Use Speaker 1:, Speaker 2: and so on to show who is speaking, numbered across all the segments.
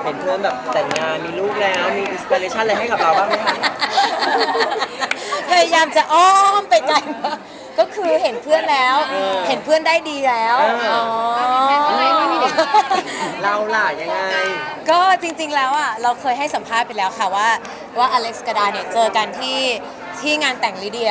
Speaker 1: ห็นเพื่อนแบบแต่งงานมีลูกแล้วมีอินสปิเรชันอะไรให้กับเราบ้างไหมคะ
Speaker 2: พยายามจะอ้อมไปไกลมากก็คือเห็นเพื่อนแล้ว เห็นเพื่อนได้ดีแล้วอ๋อ
Speaker 1: เราล่ะยังไง
Speaker 2: ก็จริงๆแล้วอ่ะเราเคยให้สัมภาษณ์ไปแล้วค่ะว่าอเล็กซ์กับดาเนี่ยเจอกันที่งานแต่งลิเดีย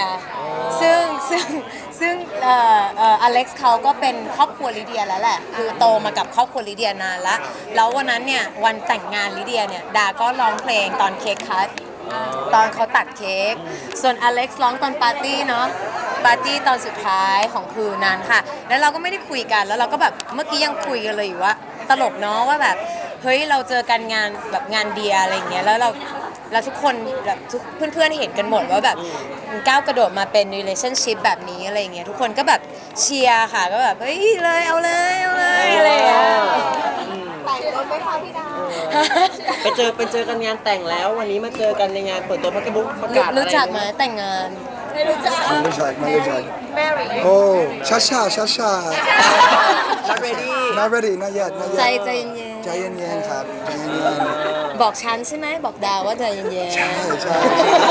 Speaker 2: ซึ่งอเล็กซ์เขาก็เป็นครอบครัวลิเดียแล้วแหละคือโตมากับครอบครัวลิเดียนานละแล้ววันนั้นเนี่ยวันแต่งงานลิเดียเนี่ยดาก็ร้องเพลงตอนเค้กคัทตอนเขาตัดเค้กส่วนอเล็กซ์ร้องตอนปาร์ตี้เนาะปาร์ตี้ตอนสุดท้ายของคืนนั้นค่ะแล้วเราก็ไม่ได้คุยกันแล้วเราก็แบบเมื่อกี้ยังคุยกันเลยอยู่ว่าตลกเนาะว่าแบบเฮ้ยเราเจอกันงานแบบงานเดียอะไรอย่างเงี้ยแล้วทุกคนแบบทุกเพื่อนๆเห็นกันหมดว่าแบบก้าวกระโดดมาเป็น relationship แบบนี้อะไรอย่างเงี้ยทุกคนก็แบบเชียร์ค่ะก็แบบเฮ้ยเลยเอาเลยอะไรอย่างเงี้ย
Speaker 3: แต่งรถไม่พอพี่ดาว
Speaker 1: ไปเจอกันงานแต่งแล้ววันนี้มาเจอกันในงานเปิดตัวพักบุ๊กประกาศอะไร
Speaker 2: รู้จักไหมแต่งงาน
Speaker 3: ไม่รู้จัก
Speaker 4: Malaysia.
Speaker 3: แมรี่
Speaker 4: Oh, Shasha.
Speaker 1: Not ready
Speaker 4: Not ready, not yet.
Speaker 2: ใจเย็น
Speaker 4: ใจเย็นๆครับใจเย็น
Speaker 2: ๆบอกฉันใช่ไหมบอกดาวว่าใจเย็น
Speaker 4: ๆใช่ใช่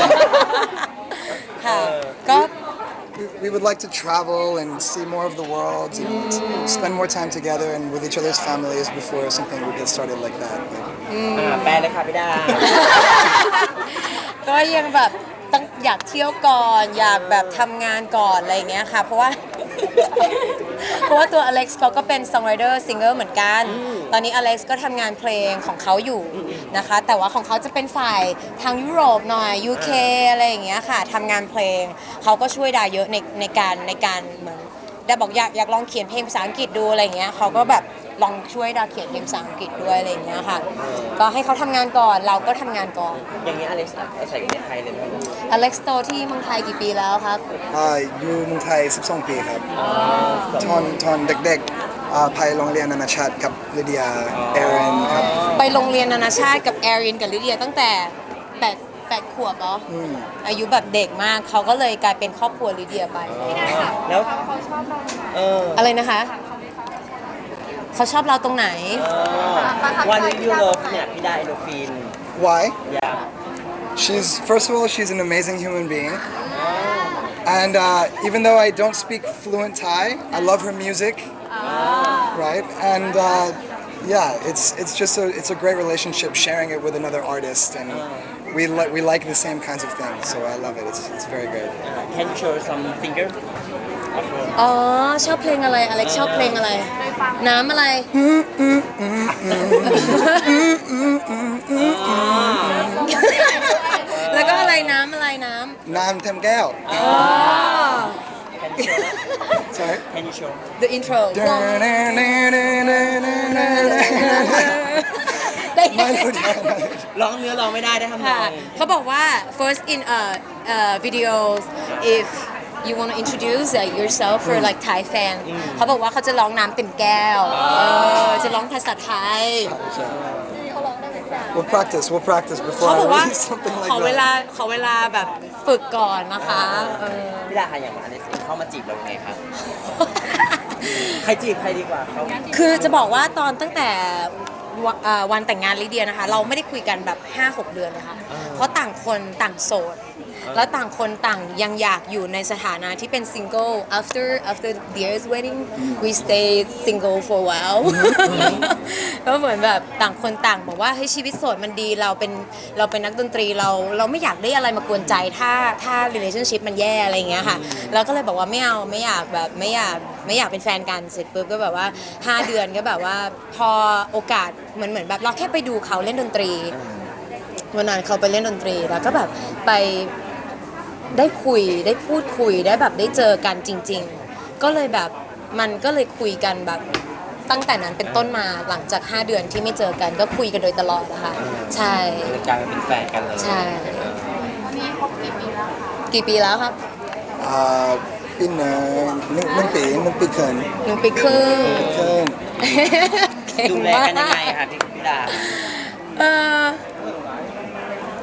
Speaker 2: ๆค่ะก็
Speaker 4: We would like to travel and see more of the world and spend more time together and with each other's families before something would get started like that.
Speaker 1: แปลเลยค่ะพี่ดา
Speaker 2: ก็ยังแบบต้องอยากเที่ยวก่อนอยากแบบทำงานก่อนอะไรอย่างเงี้ยค่ะเพราะว่า ตัวอเล็กซ์เขาก็เป็น songwriter singer เหมือนกัน ตอนนี้อเล็กซ์ก็ทำงานเพลงของเขาอยู่นะคะ แต่ว่าของเขาจะเป็นฝ่ายทางยุโรปหน่อย UK อะไรอย่างเงี้ยค่ะทำงานเพลงเขาก็ช่วยดาเยอะในการเหมือนดาบอกอยากลองเขียนเพลงภาษาอังกฤษดูอะไรอย่างเงี้ยเขาก็แบบลองช่วยดาเขียนเพลงภาษาอังกฤษด้วยอะไรอย่างเงี้ยค่ะก็ให้เขาทำงานก่อนเราก็ทำงานก่อน
Speaker 1: อย่างนี้อเล็กซ์ใส่อยู่ในไทยเลยไหม
Speaker 2: อเล็กซ์โตที่เมืองไทยกี่ปีแล้วครับ
Speaker 4: อยู่เมืองไทย12 ปีครับตอนเด็กๆไปโรงเรียนนานาชาติกับลิเดียเอรินครับ
Speaker 2: ไปโรงเรียนนานาชาติกับแอรินกับลิเดียตั้งแต่8 ขวบเหรออายุแบบเด็กมากเขาก็เลยกลายเป็นครอบครัวลิเดียไป
Speaker 1: แล้ว
Speaker 3: เขาชอบเรา
Speaker 2: อะไรนะคะเขาชอบเราตรงไหน
Speaker 1: วันนี้ยูโรเนี่ยพี่ดาเอโดฟิน
Speaker 4: Why?
Speaker 1: อยาก
Speaker 4: First of all, she's an amazing human being. And even though I don't speak fluent Thai, I love her music. Right? And yeah, it's a great relationship sharing it with another artist, and we like the same kinds of things. So I love it. It's very good.
Speaker 1: Can you show some finger of her
Speaker 2: อ๋อชอบเพลงอะไรอเล็กชอบเพลงอะไร น้ำอะไร แล้วก็อะไรน้ำอะไรน้ำ
Speaker 4: Nam Tem Gao.
Speaker 2: อ๋อ
Speaker 1: Can you show
Speaker 4: Sorry.
Speaker 1: Can you show
Speaker 2: The intro ได้
Speaker 1: ร้องเนื้อร้องไม่ได้ได้ทำน
Speaker 2: ค่ะ
Speaker 1: อง
Speaker 2: เขาบอกว่า first in videos if you want to introduce yourself for like Thai fan เขาบอกว่าเขาจะร้องน้ำเต็มแก้วจะร้องภาษาไทย
Speaker 3: เขาร้องได้ไหมจ๊ะ
Speaker 4: We'll practice before
Speaker 2: เขา
Speaker 4: I
Speaker 2: บอกว่า
Speaker 4: release something
Speaker 2: ขอ
Speaker 4: like
Speaker 2: เวลา
Speaker 4: that.
Speaker 2: ขอเวลาแบบฝึกก่อนนะคะ
Speaker 1: พี่ดาค่ะอย่างอเล็กซ์เข้ามาจีบเรายังไงครับ ใครจีบใครดีกว่าเขา
Speaker 2: คือจะบอกว่าตอนตั้งแต่วันแต่งงานลิเดียนะคะ เราไม่ได้คุยกันแบบ 5-6 เดือนเลยค่ะ เพราะต่างคนต่างโสด แล้วต่างคนต่างยังอยากอยู่ในสถานะที่เป็นซิงเกิล after Dear's wedding we stay single for a while ก็เหมือนแบบต่างคนต่างบอกว่าเฮ้ยชีวิตโสดมันดีเราเป็นนักดนตรีเราไม่อยากได้อะไรมากวนใจถ้า relationship มันแย่อะไรอย่างเงี้ยค่ะเราก็เลยบอกว่าไม่อยากเป็นแฟนกันเสร็จปุ๊บก็แบบว่า 5 เดือนก็แบบว่าพอโอกาสเหมือนแบบเราแค่ไปดูเขาเล่นดนตรีวันนั้นเขาไปเล่นดนตรีแล้วก็แบบไปได้คุยได้พูดคุยได้แบบได้เจอกันจริงๆก็เลยแบบมันก็เลยคุยกันแบบตั้งแต่นั้นเป็นต้นมาหลังจาก5 เดือนที่ไม่เจอกันก็คุยกันโดยตลอดนะคะใช่
Speaker 1: เลยกลายมาเป็นแฟนกันเลย
Speaker 2: ใช่
Speaker 3: นี่คบกี่ปีแล้วคะ
Speaker 2: กี่ปีแล้วครับ
Speaker 4: ปีหนึ่งปีเคิน
Speaker 2: 1 ปีครึ่ง
Speaker 4: เคิน
Speaker 2: เก่ง
Speaker 1: ดูแล
Speaker 2: มา
Speaker 1: กันยังไง
Speaker 2: ก
Speaker 1: คะพี่ดา
Speaker 2: เออ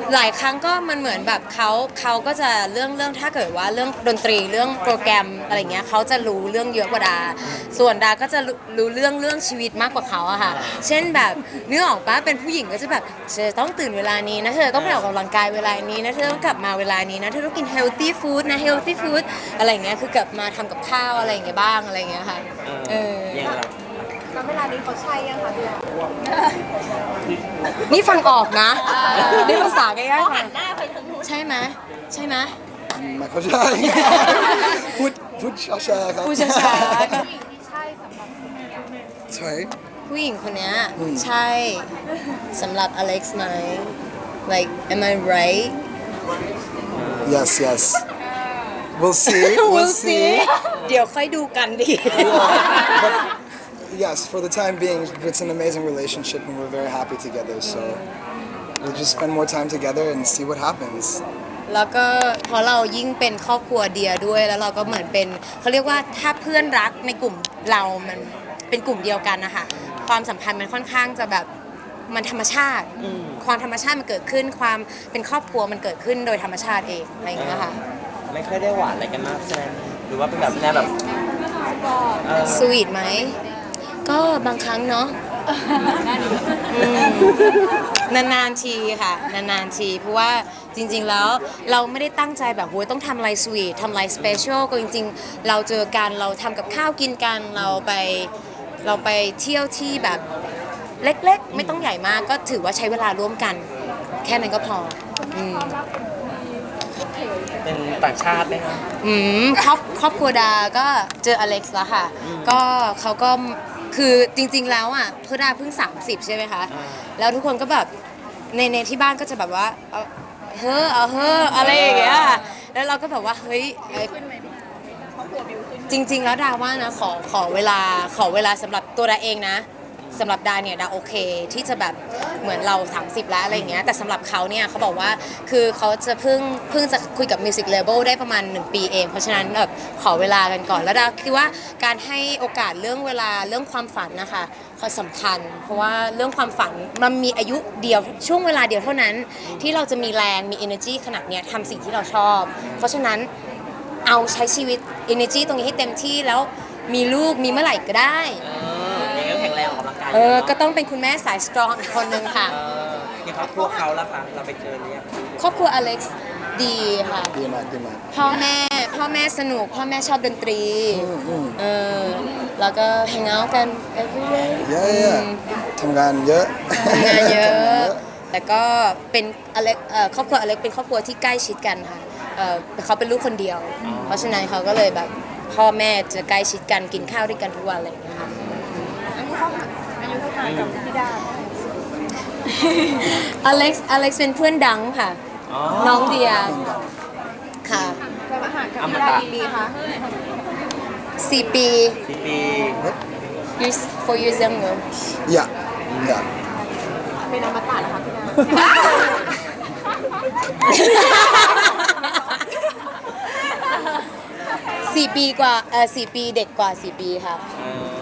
Speaker 2: หลายครั้งก็มันเหมือนแบบเขาก็จะเรื่องถ้าเกิดว่าเรื่องดนตรีเรื่องโปรแกรมอะไรเงี้ยเขาจะรู้เรื่องเยอะกว่าดา ส่วนดาก็จะรู้เรื่องชีวิตมากกว่าเขาอะค่ะเช่นแบบนึกออกปะเป็นผู้หญิงก็จะแบบเธอต้องตื่นเวลานี้นะเธอต้องไปออกกำลังกายเวลานี้นะเธอต้องกลับมาเวลานี้นะเธอต้องกิน healthy food นะ healthy food อะไรเงี้ยคือกลับมาทำกับข้าวอะไรเงี้ยบ้างอะไรเงี้ยค่ะ
Speaker 1: อย่างเรา
Speaker 3: แล้วเวลานี้เขาใช่ยังคะพี่ดา
Speaker 2: นี่ฟังออกนะนี่ภาษาง่ายๆ
Speaker 3: หั
Speaker 2: ค่ะ
Speaker 3: นหน้าไปทางนู้น
Speaker 2: ใช่ไหมใช่ไหม
Speaker 4: ไม่เข้าใจ พูดช้าๆครับ
Speaker 2: ผู้ช้าๆก็
Speaker 4: Sorry
Speaker 2: ผู้หญิงคนเนี้ยใช่สำหรับอเล็กซ์ไหม like am I right
Speaker 4: yes yes we'll see
Speaker 2: we'll see เดี๋ยวค่อยดูกันดี
Speaker 4: but yes for the time being it's an amazing relationship and we're very happy together so we'll just spend more time together and see what happens
Speaker 2: แล้วก็เพราะเรายิ่งเป็นครอบครัวเดียด้วยแล้วเราก็เหมือนเป็นเขาเรียกว่าถ้าเพื่อนรักในกลุ่มเรามันเป็นกลุ่มเดียวกันนะคะความสัมพันธ์มันค่อนข้างจะแบบมันธรรมชาติความธรรมชาติมันเกิดขึ้นความเป็นครอบครัวมันเกิดขึ้นโดยธรรมชาติเองอะไรอย่างเงี้ยค่ะ
Speaker 1: ไม่ค่อยได้หวานอะไรกันมากใช่ไหมหรือว่าเป็นแบบแนวแบบ
Speaker 2: สวีทไหมก็บางครั้งเนาะนานๆทีค่ะนานๆทีเพราะว่าจริงๆแล้วเราไม่ได้ตั้งใจแบบโหยต้องทำอะไรสวีททำอะไรสเปเชียลก็จริงๆเราเจอกันเราทำกับข้าวกินกันเราไปเที่ยวที่แบบเล็กๆไม่ต้องใหญ่มากก็ถือว่าใช้เวลาร่วมกันแค่นั้นก็พอ
Speaker 1: เป็นต่างชาติไหมคะ
Speaker 2: ครอบครัวดาก็เจออเล็กซ์แล้วค่ะก็เขาก็คือจริงๆแล้วอ่ะเพื่อดาเพิ่ง30ใช่ไหมคะแล้วทุกคนก็แบบในที่บ้านก็จะแบบว่าเอาเฮ้ออะไรอย่างเงี้ยแล้วเราก็แบบว่าเฮ้ยจริงๆแล้วดาว่านะขอเวลาสำหรับตัวดาเองนะสำหรับดาเนี่ยดาโอเคที่จะแบบเหมือนเรา30แล้วอะไรอย่างเงี้ยแต่สำหรับเขาเนี่ยเขาบอกว่าคือเขาจะเพิ่งจะคุยกับมิวสิกเลเบลได้ประมาณ1 ปีเองเพราะฉะนั้นแบบขอเวลากันก่อนแล้วดาคิดว่าการให้โอกาสเรื่องเวลาเรื่องความฝันนะคะเขาสำคัญเพราะว่าเรื่องความฝันมันมีอายุเดียวช่วงเวลาเดียวเท่านั้นที่เราจะมีแรงมี energy ขนาดเนี้ยทำสิ่งที่เราชอบเพราะฉะนั้นเอาใช้ชีวิต energy ตรงนี้ให้เต็มที่แล้วมีลูกมีเมื่อไหร่ก็ได้
Speaker 1: อย่างนั้นแข็งแรงออกกำลังกาย
Speaker 2: ก็ต้องเป็นคุณแม่สายสตรองอีกคนนึงค่ะ
Speaker 1: อย่างครอบครัวเขาล่ะคะเราไปเจอหรือยัง
Speaker 2: ครอบครัวอเล็กซ์ดีค่ะ
Speaker 4: ดีมากดีมาก
Speaker 2: พ่อแม่สนุกพ่อแม่ชอบดนตรีแล้วก็แฮงเอาท์กัน every day
Speaker 4: เยอะทำงานเยอะ
Speaker 2: ทำงานเยอะแต่ก็เป็นอเล็กครอบครัวอเล็กเป็นครอบครัวที่ใกล้ชิดกันค่ะเขาเป็นลูกคนเดียวเพราะฉะนั้นเขาก็เลยแบบพ่อแม่จะใกล้ชิดกันกินข้าวด้วยกันทุกวันอะไรอย่างเงี้ยค่ะ
Speaker 3: อายุเท่าไหร่กับพี่ดา
Speaker 2: อเล็กซ์เป็นเพื่อนดังค่ะน้องเดียค่ะ
Speaker 3: เคยมาหากับพี่ดากี่ปีคะ
Speaker 2: 4 ปี
Speaker 1: 4 ปี
Speaker 2: years 4 years younger
Speaker 4: yeah yeah
Speaker 3: เป็นอมตะเหรอคะพี่ดา
Speaker 2: 4 ปีกว่า4 ปีเด็กกว่า4 ปีค่ะ